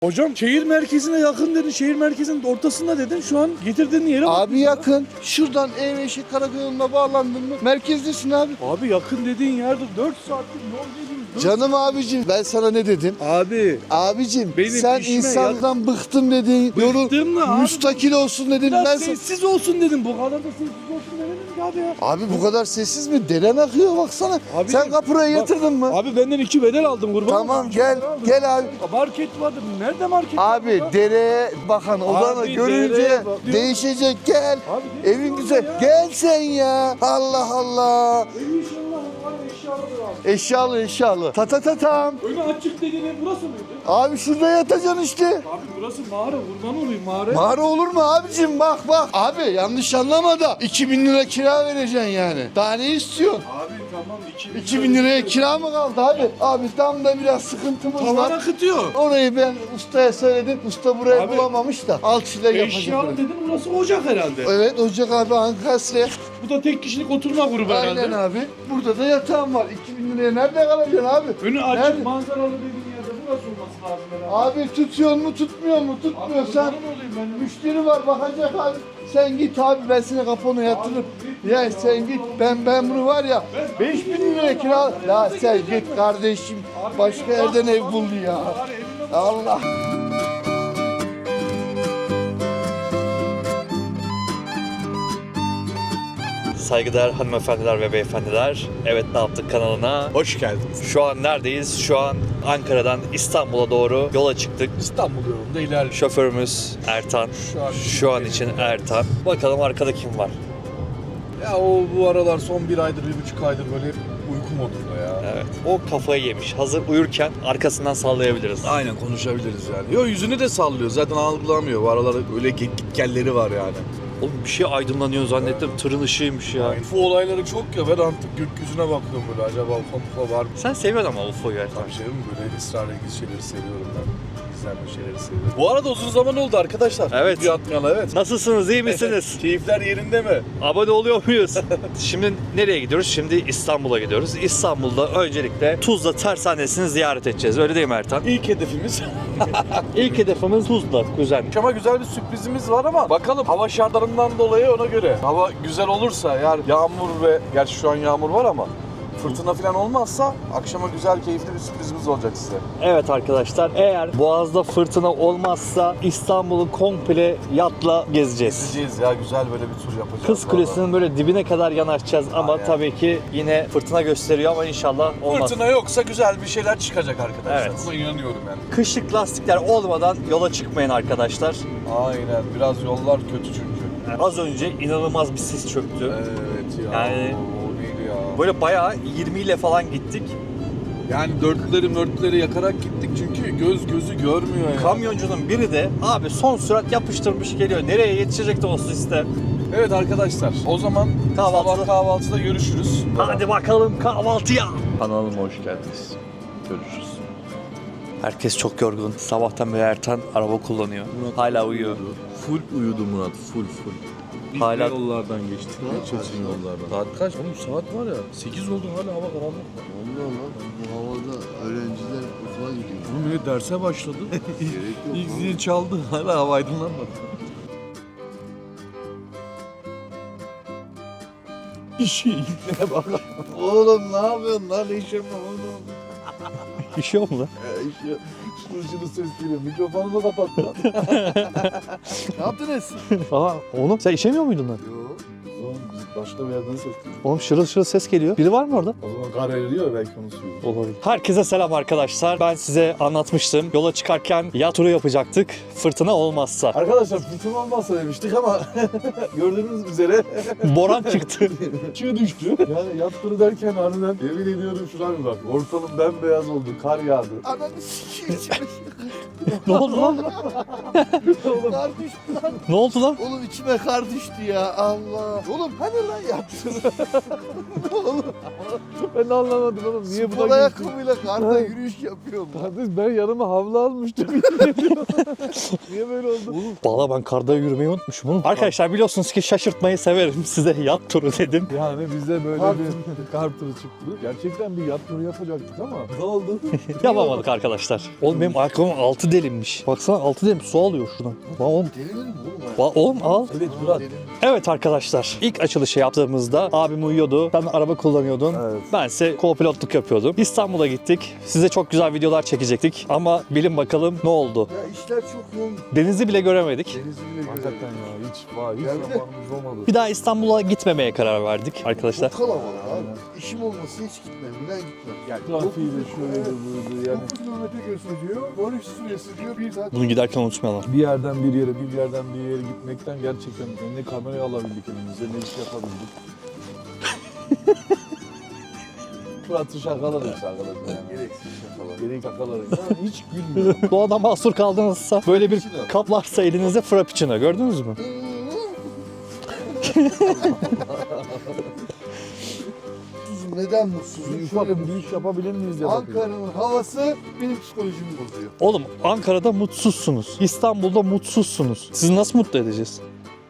Hocam şehir merkezine yakın dedin, şehir merkezinin ortasında dedin. Şu an getirdiğin yere bak. Abi yakın. Şuradan Ev-Eşik Karayolu'na bağlandın mı? Merkezdesin abi. Abi yakın dediğin yerde 4 saatlik yol dediğimiz. Canım abicim ben sana ne dedim? Abi. Abicim Benim sen işime insandan bıktım dedin. Bıktım da abi. Müstakil olsun dedin. Biraz Ben sessiz olsun dedim. Bu kadar da sessiz olsun demedim ki abi ya. Abi bu kadar sessiz mi? Deren akıyor baksana. Abi, Sen kapurayı bak, yatırdın mı? Abi benden 2 bedel aldım kurban. Tamam gel abi. Market vardı. Nerede market Abi var? dereye bakan odanı Abi, görünce dereye bak. değişecek gel. Abi, gel Evin şurada güzel. ya. Gel sen ya. Allah Allah. Evi inşallah var eşyalıdır abi. Eşyalı. Ta ta ta tam. Önü açık dediğin ev burası mıydı? Abi şurada yatacaksın işte. Abi burası mağara. Kurban olayım mağara. Mağara olur mu abicim bak. Abi yanlış anlama da 2000 lira kira vereceksin yani. Daha ne istiyorsun? Abi tamam 2000 liraya kira mı kaldı abi? Abi tam da biraz sıkıntımız Tavan var. akıtıyor. Orayı ben ustaya söyledim. Usta burayı Abi, bulamamış da alçıyla yapacak. Eşyalı burayı. dedin burası ocak herhalde. Evet Ocak abi Ankasya. Bu da tek kişilik oturma grubu herhalde. Aynen abi. Burada da yatağım var. 2000 liraya nerede kalacaksın abi? Önü açık Nerede? manzaralı dediğin yerde burası olması lazım herhalde. Abi tutuyor mu tutmuyor mu? Tutmuyorsan Abi, kurban olayım ben. müşteri var bakacak abi. Sen git abi ben seni kaponu yatırırım. Ya sen git ben bunu var ya 5000 liraya kira. Ya sen git kardeşim başka yerden ev bul ya. Allah. Saygıdeğer hanımefendiler ve beyefendiler, Evet Ne Yaptık kanalına hoş geldiniz. Şu an neredeyiz? Şu an Ankara'dan İstanbul'a doğru yola çıktık. İstanbul yolunda ilerliyor. Şoförümüz Ertan. Şu an için Ertan. Bakalım arkada kim var? Ya o bu aralar son 1 aydır, 1,5 aydır böyle hep uyku modunda ya. Evet. O kafayı yemiş. Hazır uyurken arkasından sallayabiliriz. Aynen konuşabiliriz yani. Yo yüzünü de sallıyor. Zaten algılamıyor. Bu aralar öyle gitgelleri var yani. Oğlum bir şey aydınlanıyor zannettim. Tırın ışığıymış ya. UFO olayları çok ya. Ben artık gökyüzüne bakıyorum böyle. Acaba UFO var mı? Sen seviyorsun ama UFO'yu Ertan. Tabii mi? Böyle esrarengiz şeyleri seviyorum ben. Gizemli şeyleri seviyorum. Bu arada uzun zaman oldu arkadaşlar. Evet. Bir atmayalı evet. Nasılsınız? İyi misiniz? Keyifler yerinde mi? Abone oluyor muyuz? Şimdi nereye gidiyoruz? Şimdi İstanbul'a gidiyoruz. İstanbul'da öncelikle Tuzla Tersanesi'ni ziyaret edeceğiz. Öyle değil mi Ertan? İlk hedefimiz. İlk hedefimiz Tuzla, kuzen. Ama güzel bir sürprizimiz var ama bakalım hava şartlarından dolayı ona göre. Hava güzel olursa eğer yağmur ve gerçi şu an yağmur var ama fırtına falan olmazsa akşama güzel keyifli bir sürprizimiz olacak size. Evet arkadaşlar, eğer Boğaz'da fırtına olmazsa İstanbul'u komple yatla gezeceğiz. Gideceğiz ya güzel böyle bir tur yapacağız. Kız Kulesi'nin böyle dibine kadar yanaşacağız ama Aynen. tabii ki yine fırtına gösteriyor ama inşallah olmaz. Fırtına yoksa güzel bir şeyler çıkacak arkadaşlar. Evet. Buna inanıyorum yani. Kışlık lastikler olmadan yola çıkmayın arkadaşlar. Aynen biraz yollar kötü çünkü. Az önce inanılmaz bir sis çöktü. Evet ya. Yani- O neydi ya? Böyle bayağı 20 ile falan gittik. Yani dörtlüleri yakarak gittik çünkü gözü görmüyor ya. Kamyoncunun biri de abi son sürat yapıştırmış geliyor. Nereye yetişecek de o siste. Evet arkadaşlar o zaman sabah kahvaltıda görüşürüz. Hadi bakalım kahvaltıya. Kanalıma hoş geldiniz. Görüşürüz. Herkes çok yorgun. Sabahtan beri Ertan araba kullanıyor. Hala uyuyor. Full uyudu Murat, full. Biz Hala- de yollardan geçtik. Çetin yollardan. Saat kaç? Oğlum saat var ya 8 oldu hala hava karanlık. Allah Allah. Bu havada öğrenciler okula gidiyor. Oğlum millet derse başladı. Gerek yok. İlk lan. zil çaldı hala hava aydınlanmadı. İşine bak. Oğlum ne yapıyorsun lan? İşe mi oğlum? İşiyor mu lan? İşe. Şunu ses geliyor. Mikrofonu da kapat lan. Ne yaptınız? Aa oğlum sen işemiyor muydun lan? Yok. Oğlum biz başka bir yerden ses geliyor. Oğlum şırıl şırıl ses geliyor. Biri var mı orada? O zaman kar eriyor belki onu suyuyor. Olabilir. Herkese selam arkadaşlar. Ben size anlatmıştım. Yola çıkarken yat turu yapacaktık. Fırtına olmazsa. Arkadaşlar fırtına olmazsa demiştik ama gördüğünüz üzere Boran çıktı. çığ düştü. Yani yattırı derken harbiden yemin ediyorum şuna bir bak. Ortalık bembeyaz oldu. Kar yağdı. Ananı sikeyim. Ne oldu lan? Kar düştü lan. Ne oldu lan? Oğlum içime kar düştü ya Allah. Oğlum hani lan yattır? Ben de anlamadım oğlum. Niye Spor buna gittin? ayakkabıyla karda yürüyüş yapıyorum. Kardeş ben yanıma havlu almıştım. Niye böyle oldu? Valla ben karda yürümeyi unutmuşum oğlum. Arkadaşlar biliyorsunuz ki şaşırtmayı severim. Size yat turu dedim. Yani bize böyle Kar bir kar turu çıktı. Gerçekten bir yat turu yapacaktık ama ne oldu? Yapamadık arkadaşlar. Oğlum benim ayakkabım altı delinmiş. Baksana altı delim su alıyor şuradan. Lan oğlum. Delirir mi oğlum? Oğlum al. Evet Murat. Evet arkadaşlar ilk açılışı yaptığımızda abim uyuyordu. Sen araba kullanıyordun. Evet. Bense co-pilotluk yapıyordum. İstanbul'a gittik. Size çok güzel videolar çekecektik. Ama bilin bakalım ne oldu. Ya işler çok yoğun. Denizi bile göremedik. Denizi bile Hakikaten görelim. ya hiç Geldi. zamanımız olmadı. Bir daha İstanbul'a gitmemeye karar verdik arkadaşlar. Çok kalabalık abi. İşim olmasa hiç gitmem. Neden gitmem? Yani Trafiği de şöyle böyle yani. 9 kilometre gösteriyor. 13 süresi diyor 1 saat. Bunu giderken unutmayalım. Bir yerden bir yere, bir yerden bir yere gitmekten gerçekten ne kamerayı alabildik elimize, ne iş yapabildik. Murat'ı şakalarız arkadaşlar yani. Gereksiz şakalar. Gerek şakalarız. Yani hiç gülmüyorum. Doğada mahsur kaldınızsa böyle bir kap varsa elinizde frappuccino gördünüz mü? Mutsuzum. Neden mutsuzum? Şöyle Bir iş yapabilir miyiz ya bakayım. Ankara'nın havası benim psikolojimi bozuyor. Oğlum Ankara'da mutsuzsunuz. İstanbul'da mutsuzsunuz. Sizi nasıl mutlu edeceğiz?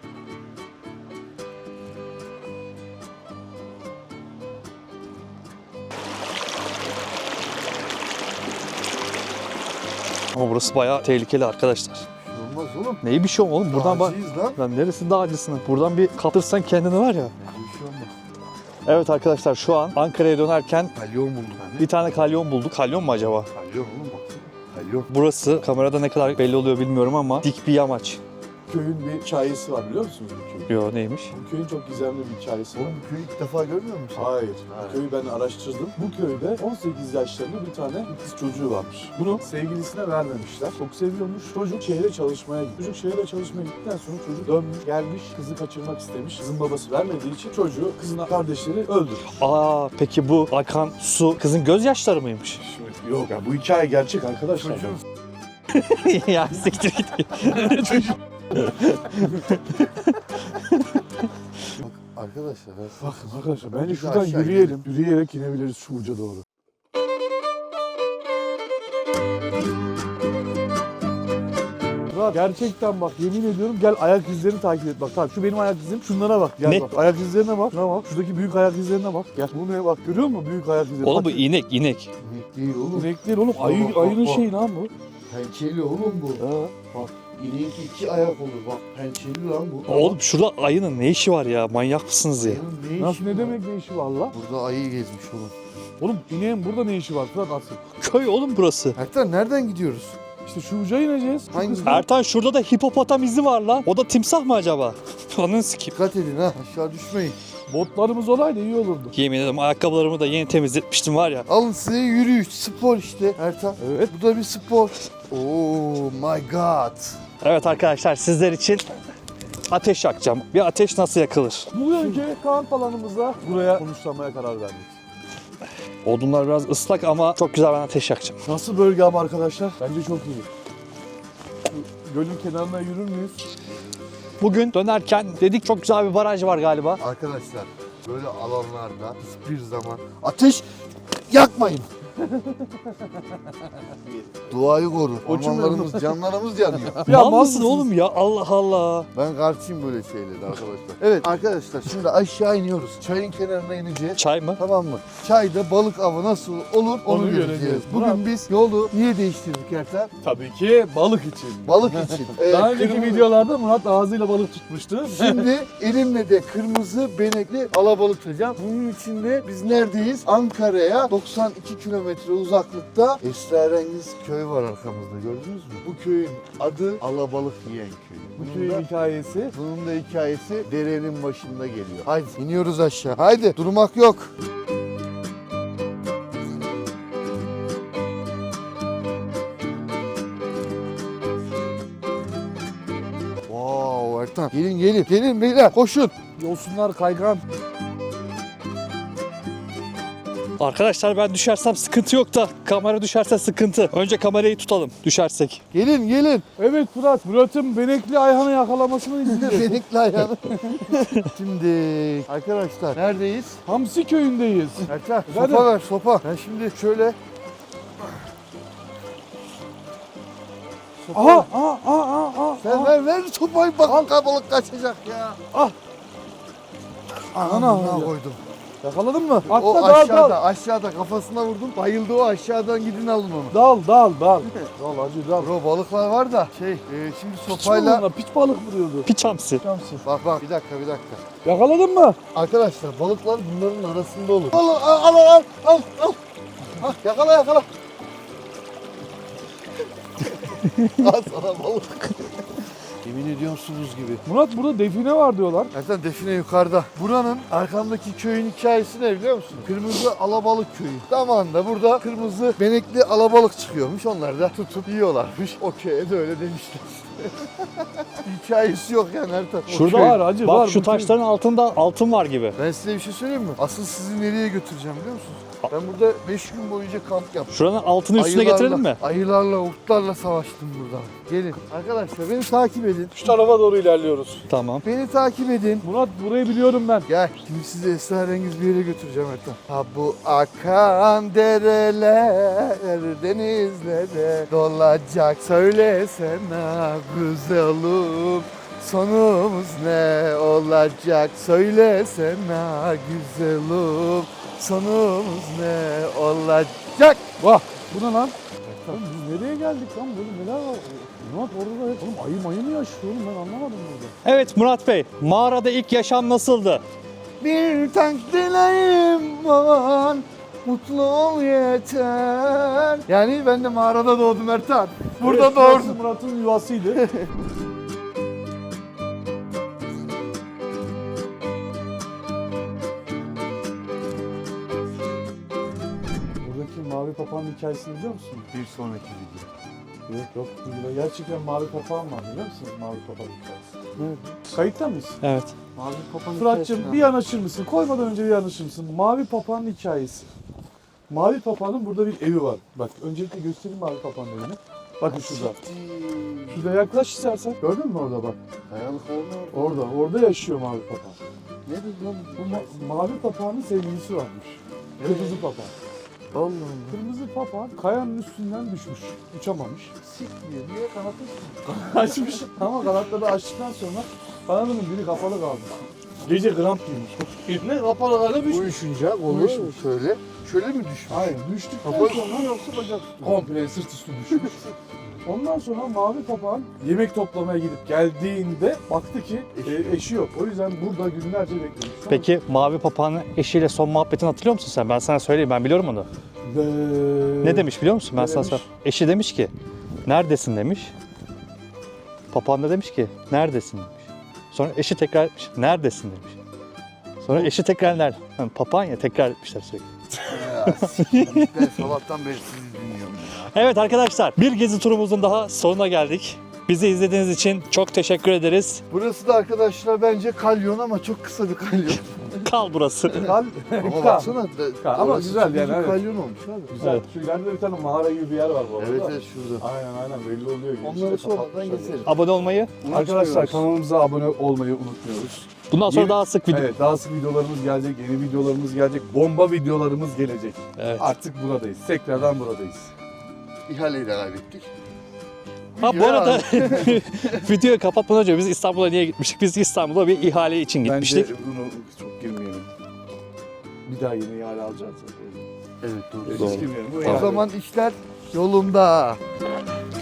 Ama burası bayağı tehlikeli arkadaşlar. Olmaz oğlum. Neyi bir şey olma oğlum buradan bak. Dağcıyız lan. Lan neresi dağcısın? Buradan bir kaptırsan kendini var ya. Bir şey olmaz. Evet arkadaşlar şu an Ankara'ya dönerken Kalyon buldum. bir tane kalyon bulduk. Kalyon mu acaba? Kalyon oğlum baksana. Kalyon. Burası kamerada ne kadar belli oluyor bilmiyorum ama dik bir yamaç. Köyün bir hikayesi var biliyor musunuz bu köyün? Yo neymiş? Bu köyün çok gizemli bir hikayesi var. Oğlum bu köyü ilk defa görmüyor musun? Hayır. Ha. Bu köyü ben araştırdım. Bu köyde 18 yaşlarında bir tane kız çocuğu varmış. Bunu sevgilisine vermemişler. Çok seviyormuş. Çocuk şehre çalışmaya gitti. Çocuk şehre çalışmaya gittikten sonra çocuk dönmüş, gelmiş, kızı kaçırmak istemiş. Kızın babası vermediği için çocuğu kızın kardeşleri öldürmüş. Aa peki bu akan su kızın gözyaşları mıymış? Şimdi yok ya bu hikaye gerçek arkadaşlar. Çocuğun ya siktir git. arkadaşlar Bakın arkadaşlar bence Biz şuradan aşağı yürüyelim. Yürüyerek inebiliriz şu uca doğru. Murat, gerçekten bak yemin ediyorum gel ayak izlerini takip et bak. Tamam şu benim ayak izlerim şunlara bak. Gel Ne? bak ayak izlerine bak. Şuna bak. Şuradaki büyük ayak izlerine bak. Gel. Bu ne bak görüyor musun büyük ayak izleri? Oğlum bu Bak, inek inek. inek değil oğlum. inek değil oğlum. Bak, bak, Ayının bak. şeyi lan bu. Pençeli oğlum bu. Ha. Bak ineğin 2 ayak olur bak. Pençeli lan bu. Oğlum şurada ayının ne işi var ya? Manyak mısınız ya? Ayının ne işi Nasıl ne var? demek ne işi var la? Burada ayı gezmiş oğlum. Oğlum ineğin burada ne işi var Fırat asıl? Köy oğlum burası. Ertan nereden gidiyoruz? İşte şu uca ineceğiz. Hangi- Ertan şurada da hipopotam izi var lan. O da timsah mı acaba? Onun sikip. Dikkat edin ha aşağı düşmeyin. Botlarımız olaydı iyi olurdu. Yemin ederim ayakkabılarımı da yeni temizletmiştim var ya. Alın size yürüyüş, spor işte Ertan. Evet. Bu da bir spor. Oh my god. Evet arkadaşlar sizler için ateş yakacağım. Bir ateş nasıl yakılır? Bugünkü kamp alanımızda buraya konuşlamaya karar verdik. Odunlar biraz ıslak ama çok güzel ben ateş yakacağım. Nasıl bölge ama arkadaşlar? Bence çok iyi. Şu gölün kenarına yürür müyüz? Bugün dönerken dedik çok güzel bir baraj var galiba. Arkadaşlar böyle alanlarda hiçbir zaman ateş yakmayın. Doğayı koru. Koçum Ormanlarımız, canlarımız yanıyor. Ya mal mısın mısınız? oğlum ya? Allah Allah. Ben karşıyım böyle şeylere arkadaşlar. Evet arkadaşlar şimdi aşağı iniyoruz. Çayın kenarına ineceğiz. Çay mı? Tamam mı? Çayda balık avı nasıl olur onu, Onu göreceğiz. göreceğiz. Bugün biz yolu niye değiştirdik Ertan? Tabii ki balık için. Balık için. Daha önceki kırmızı- videolarda Murat ağzıyla balık tutmuştu. Şimdi elimle de kırmızı benekli alabalık tutacağım. Bunun için de biz neredeyiz? Ankara'ya 92 kilometre uzaklıkta esrarengiz köy var arkamızda gördünüz mü? Bu köyün adı Alabalık Yiyen Köyü. Bu Bunun köyün da- hikayesi. Bunun da hikayesi derenin başında geliyor. Haydi iniyoruz aşağı. Haydi durmak yok. Wow Ertan. Gelin gelin. Gelin beyler koşun. Yosunlar kaygan. Arkadaşlar ben düşersem sıkıntı yok da kamera düşerse sıkıntı. Önce kamerayı tutalım düşersek. Gelin gelin. Evet Murat. Murat'ın benekli Ayhan'ı yakalamasını izleyeceğiz. Benekli ayağını. Şimdi arkadaşlar neredeyiz? Hamsi köyündeyiz. Ertan Efendim? sopa ver sopa. Ben şimdi şöyle. Sopa ver. Sen ver sopayı bak balık kaçacak ya. Ana. Koydum. Yakaladın mı? Atla O dal aşağıda dal. aşağıda kafasına vurdum. Bayıldı o aşağıdan gidin alın onu. Dal. Dal hacı dal. Bro balıklar var da şimdi Piç sopayla. balığına, piç balık mı diyordu? Piç hamsi. Bak bir dakika. Yakaladın mı? Arkadaşlar balıklar bunların arasında olur. Al. Ha, yakala. Al sana balık. Yemin ediyorum su buz gibi. Murat burada define var diyorlar. Zaten define yukarıda. Buranın arkamdaki köyün hikayesi ne biliyor musun? Kırmızı alabalık köyü. Zamanında burada kırmızı benekli alabalık çıkıyormuş. Onlar da tutup yiyorlarmış. O köye de öyle demişler. Hikayesi yok yani Ertan. O Şurada köy. var hacı, bak var. şu Bu taşların altında altın var gibi. Ben size bir şey söyleyeyim mi? Asıl sizi nereye götüreceğim biliyor musunuz? Ben burada 5 gün boyunca kamp yaptım. Şuranın altını üstüne getirelim mi? Ayılarla, urtlarla savaştım burada. Gelin. Arkadaşlar beni takip edin. Şu tarafa doğru ilerliyoruz. Tamam. Beni takip edin. Murat burayı biliyorum ben. Gel. Şimdi sizi esrarengiz bir yere götüreceğim Ertan. Ha bu akan dereler denizlere dolacak. Söylesene güzelim. Sonumuz ne olacak? Söylesene güzelim. Sonumuz ne olacak? Vah. Bu ne lan? Oğlum biz nereye geldik lan? Böyle neler var? Murat orada da oğlum ayı mayı mı yaşıyor oğlum? Ben anlamadım burada. Evet Murat Bey, mağarada ilk yaşam nasıldı? Bir tek dileğim var, mutlu ol yeter. Yani ben de mağarada doğdum Ertan. Burada Evet, burası doğdum. Murat'ın yuvasıydı. Buradaki mavi papağan hikayesini biliyor musun? Bir sonraki video. Yok. Burada gerçekten mavi papağan var biliyor musun? Mavi papağan hikayesi. Kayıtta mıyız? Evet. Mavi kapanı Fırat'cığım bir yanaşır mısın? Koymadan önce bir yanaşır mısın? Mavi papağanın hikayesi. Mavi papağanın burada bir evi var. Bak öncelikle göstereyim mavi papağanın evini. Bakın şurada. Şurada yaklaş istersen. Gördün mü orada bak? Kayalık oldu. Orada yaşıyor mavi papağan. Ne dedi lan? Bu mavi papağanın sevgilisi varmış. Kırmızı papağan. Allah Allah. Kırmızı papağan kayanın üstünden düşmüş. Uçamamış. Sikmiyor. Niye kanatı Açmış ama kanatları açtıktan sonra kanadının biri kapalı kaldı. Gece kramp girmiş. Eline kapalı kaldı düşmüş. Uyuşunca olur Uyuşmuş. şöyle. Şöyle mi düşmüş? Hayır düştükten Kapalı sonra mı yoksa bacak üstü? komple sırt üstü düşmüş. Ondan sonra mavi papağan yemek toplamaya gidip geldiğinde baktı ki eşi yok. O yüzden burada günlerce beklemiş. Peki mavi papağanın eşiyle son muhabbetini hatırlıyor musun sen? Ben sana söyleyeyim, ben biliyorum onu. Ne demiş biliyor musun? Ben Ne sana demiş? söyleyeyim. Eşi demiş ki, neredesin demiş. Papağan da demiş ki, neredesin demiş. Sonra eşi tekrar etmiş, neredesin demiş. Sonra eşi tekrar nerede? Yani papağan ya tekrar etmişler sürekli. Ya sikeyim. Ben sabahtan beri sizi dinliyorum ya. Evet arkadaşlar, bir gezi turumuzun daha sonuna geldik. Bizi izlediğiniz için çok teşekkür ederiz. Burası da arkadaşlar bence kalyon ama çok kısa bir kalyon. Kal burası. Kal. Ama baksana. Ama orası güzel çok yani, büyük evet. kalyon olmuş abi. Güzel. Evet. Şu ileride bir tane mağara gibi bir yer var bu arada. Evet şurada. Aynen belli oluyor. Onları İşte sonradan kapatmışlar geçeriz. Abone olmayı. yani. Arkadaşlar kanalımıza abone olmayı unutmuyoruz. Bundan sonra Yeni- daha sık video. Evet daha sık videolarımız gelecek, yeni videolarımız gelecek, bomba videolarımız gelecek. Evet. Artık buradayız, tekrardan buradayız. İhaleyi de kaybettik. Ha bu Ya. arada videoyu kapatmadan önce biz İstanbul'a niye gitmiştik? Biz İstanbul'a bir ihale için gitmiştik. Bence bunu çok girmeyelim. Bir daha yeni ihale alacağız. Evet doğru. Hiç Doğru. girmeyelim. Bu O ihale- zaman işler yolunda.